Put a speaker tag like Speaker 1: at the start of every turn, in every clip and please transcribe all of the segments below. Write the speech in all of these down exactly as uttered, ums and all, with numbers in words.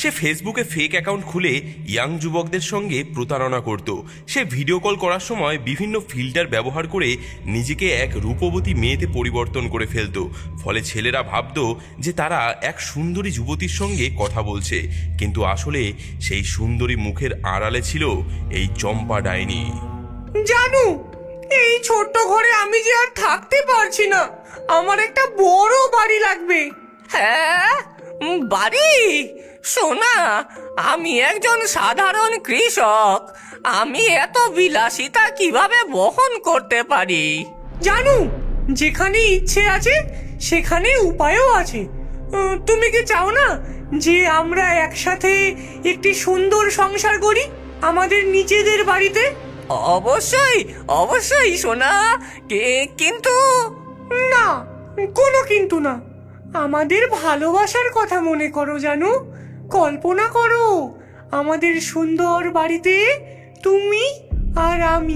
Speaker 1: সে ফেসবুকে fake account খুলে young যুবকদের সঙ্গে প্রতারণা করত। সে ভিডিও কল করার সময় বিভিন্ন ফিল্টার ব্যবহার করে নিজেকে এক রূপবতী মেয়েতে পরিবর্তন করে ফেলত। ফলে ছেলেরা ভাবত যে তারা এক সুন্দরী যুবতীর সঙ্গে কথা বলছে, কিন্তু আসলে সেই সুন্দরী মুখের আড়ালে ছিল এই চম্পা ডাইনি।
Speaker 2: জানু, এই ছোট্ট ঘরে আমি যে আর থাকতে পারছি না, আমার একটা বড় বাড়ি লাগবে।
Speaker 3: হ্যাঁ, বাড়ি? শোনা, আমি একজন সাধারণ কৃষক, আমি এত বিলাসিতা কিভাবে বহন করতে পারি?
Speaker 2: জানু, যেখানে ইচ্ছে আছে সেখানে উপায়ও আছে। উম, তুমি কি চাও না যে আমরা একসাথে একটি সুন্দর সংসার করি আমাদের নিজেদের বাড়িতে?
Speaker 3: অবশ্যই অবশ্যই সোনা, কিন্তু
Speaker 2: না, কোনো কিন্তু না। আমাদের ভালোবাসার কথা মনে করো জানু, কল্পনা করো আমাদের সুন্দর বাড়িতে তুমি আর আমি।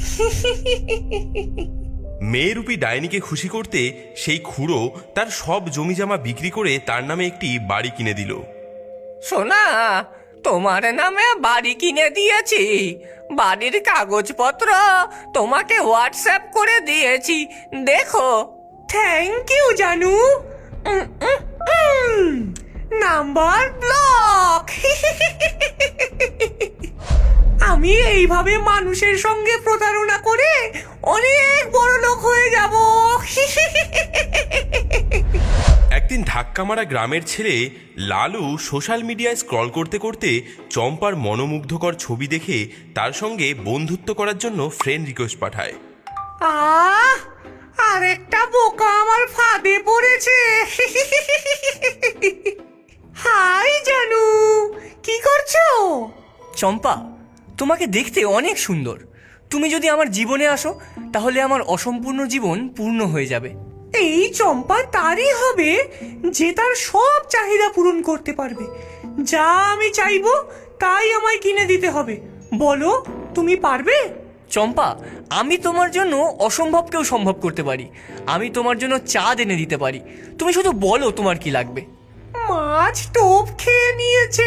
Speaker 1: মেয়েরূপী ডাইনিকে খুশি করতে সেই খুড়ো তার সব জমিজমা বিক্রি করে তার নামে একটি বাড়ি কিনে দিল।
Speaker 3: সোনা, তোমার নামে বাড়ি কিনে দিয়েছি, বাড়ির কাগজপত্র তোমাকে হোয়াটসঅ্যাপ করে দিয়েছি, দেখো।
Speaker 2: থ্যাংক ইউ জানু। উম, উম, উম। Number block. আমি এইভাবে মানুষের সঙ্গে প্রতারণা করে অনেক বড় লোক হয়ে যাব।
Speaker 1: একদিন ধাক্কা মারা গ্রামের ছেলে লালু সোশ্যাল মিডিয়ায় স্ক্রল করতে করতে চম্পার মনোমুগ্ধকর ছবি দেখে তার সঙ্গে বন্ধুত্ব করার জন্য ফ্রেন্ড রিকোয়েস্ট পাঠায়।
Speaker 2: আহ, আরেকটা বোকা আমার ফাঁদে পড়েছে। হাই জানু, কি করছো?
Speaker 3: চম্পা, তোমাকে দেখতে অনেক সুন্দর। তুমি যদি আমার জীবনে আসো তাহলে আমার অসম্পূর্ণ জীবন পূর্ণ হয়ে যাবে।
Speaker 2: এই চম্পা তারই হবে যে তার সব চাহিদা পূরণ করতে পারবে। যা আমি চাইবো তাই আমায় কিনে দিতে হবে। বলো, তুমি পারবে?
Speaker 3: চম্পা, আমি তোমার জন্য অসম্ভবকেও সম্ভব করতে পারি। আমি তোমার জন্য চাঁদ এনে দিতে পারি, তুমি শুধু বলো তোমার কি লাগবে।
Speaker 2: মাছ টোপ খেয়ে নিয়েছে।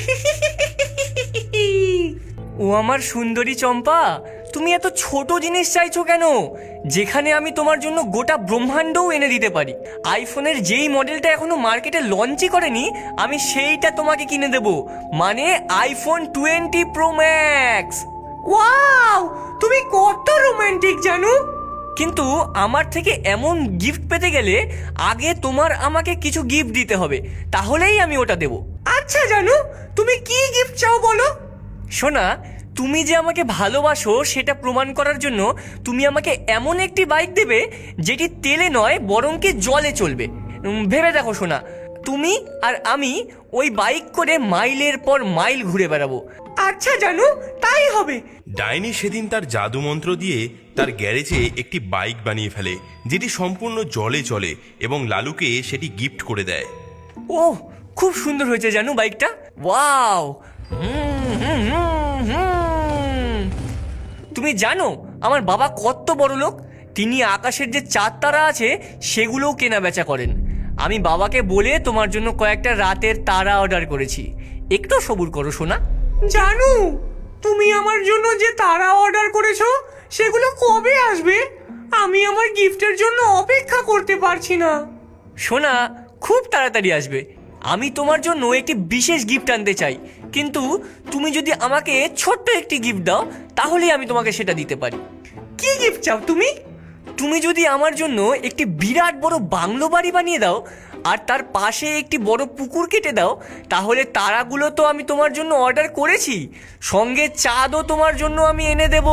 Speaker 3: ও আমার সুন্দরী চম্পা, তুমি এত ছোট জিনিস চাইছো কেন, যেখানে আমি তোমার জন্য গোটা ব্রহ্মাণ্ডও এনে দিতে পারি। আইফোনের যেই মডেলটা এখনো মার্কেটে লঞ্চই করেনি, আমি সেইটা তোমাকে কিনে দেব, মানে iPhone twenty pro max.
Speaker 2: Wow, তুমি কত রোমান্টিক জানু।
Speaker 3: কিন্তু আমার থেকে এমন গিফট পেতে গেলে আগে তোমার আমাকে কিছু গিফট দিতে হবে, তাহলেই আমি ওটা দেব।
Speaker 2: আচ্ছা জানু, তুমি কি গিফট চাও বলো?
Speaker 3: শোনা, তুমি যে আমাকে ভালোবাসো সেটা প্রমাণ করার জন্য তুমি আমাকে এমন একটি বাইক দেবে যেটি তেলে নয় বরং কি জলে চলবে। উম, ভেবে দেখো শোনা, তুমি আর আমি ওই বাইক করে মাইলের পর মাইল ঘুরে বেড়াবো।
Speaker 2: আচ্ছা জানু, তাই হবে।
Speaker 1: ডাইনি সেদিন তার জাদু মন্ত্র দিয়ে তার গ্যারেজে একটি বাইক বানিয়ে ফেলে, যেটি সম্পূর্ণ জলে চলে, এবং লালুকে সেটি গিফট করে দেয়।
Speaker 3: ও, খুব সুন্দর হয়েছে জানো বাইকটা। ওয়াও। হুম, হুম, হুম, হুম। তুমি জানো আমার বাবা কত বড় লোক? তিনি আকাশের যে চাঁদ তারা আছে সেগুলোও কেনা বেচা করেন। আমি বাবাকে বলে তোমার জন্য কয়েকটা রাতের তারা অর্ডার করেছি, একটু সবুর করো সোনা।
Speaker 2: জানু, তুমি আমার জন্য যে তারা অর্ডার করেছো সেগুলো কবে আসবে? আমি আমার গিফটের জন্য অপেক্ষা করতে পারছি না।
Speaker 3: সোনা, খুব তাড়াতাড়ি আসবে। আমি তোমার জন্য একটি বিশেষ গিফট আনতে চাই, কিন্তু তুমি যদি আমাকে ছোট্ট একটি গিফট দাও তাহলে আমি তোমাকে সেটা দিতে পারি।
Speaker 2: কি গিফট চাও তুমি?
Speaker 3: তুমি যদি আমার জন্য একটি বিরাট বড় বাংলো বাড়ি বানিয়ে দাও আর তার পাশে একটি বড় পুকুর কেটে দাও, তাহলে তারাগুলো তো আমি তোমার জন্য অর্ডার করেছি, সঙ্গে চাঁদও তোমার জন্য আমি এনে দেব।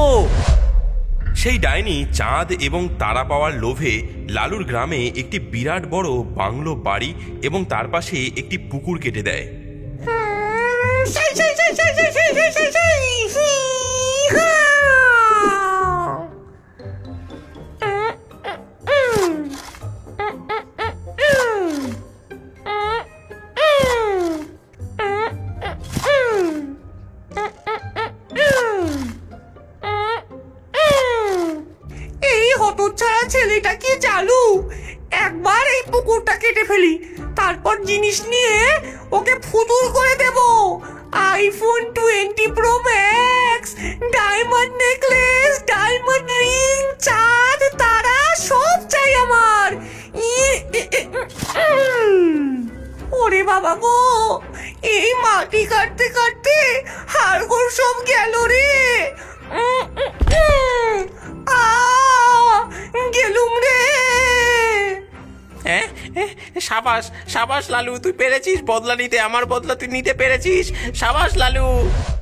Speaker 1: সেই ডাইনি চাঁদ এবং তারা পাওয়ার লোভে লালুর গ্রামে একটি বিরাট বড় বাংলো বাড়ি এবং তার পাশে একটি পুকুর কেটে দেয়।
Speaker 2: সেই, সেই, সেই, সেই, সেই, সেই, সেই, সেই, সেই, হি, হা। এই হতচ্ছাড়া ছেলেটা কি চালু। একবার এই পুকুরটা কেটে ফেলি, তারপর জিনিস নিয়ে ওকে ফুতুর করে দেব। IPhone twenty pro max, diamond necklace, diamond ring, চাঁদ তারা সব চাই আমার। ই- এ- এ- উম। ওরে বাবা গো, এই মাটি কাটতে কাটতে হাড়গোড় সব গেল রে। উম, উম, উম। আ গেলুম রে।
Speaker 4: হ্যাঁ হ্যাঁ, সাবাস সাবাস লালু, তুই পেরেছিস বদলা নিতে, আমার বদলা তুই নিতে পেরেছিস, সাবাস লালু।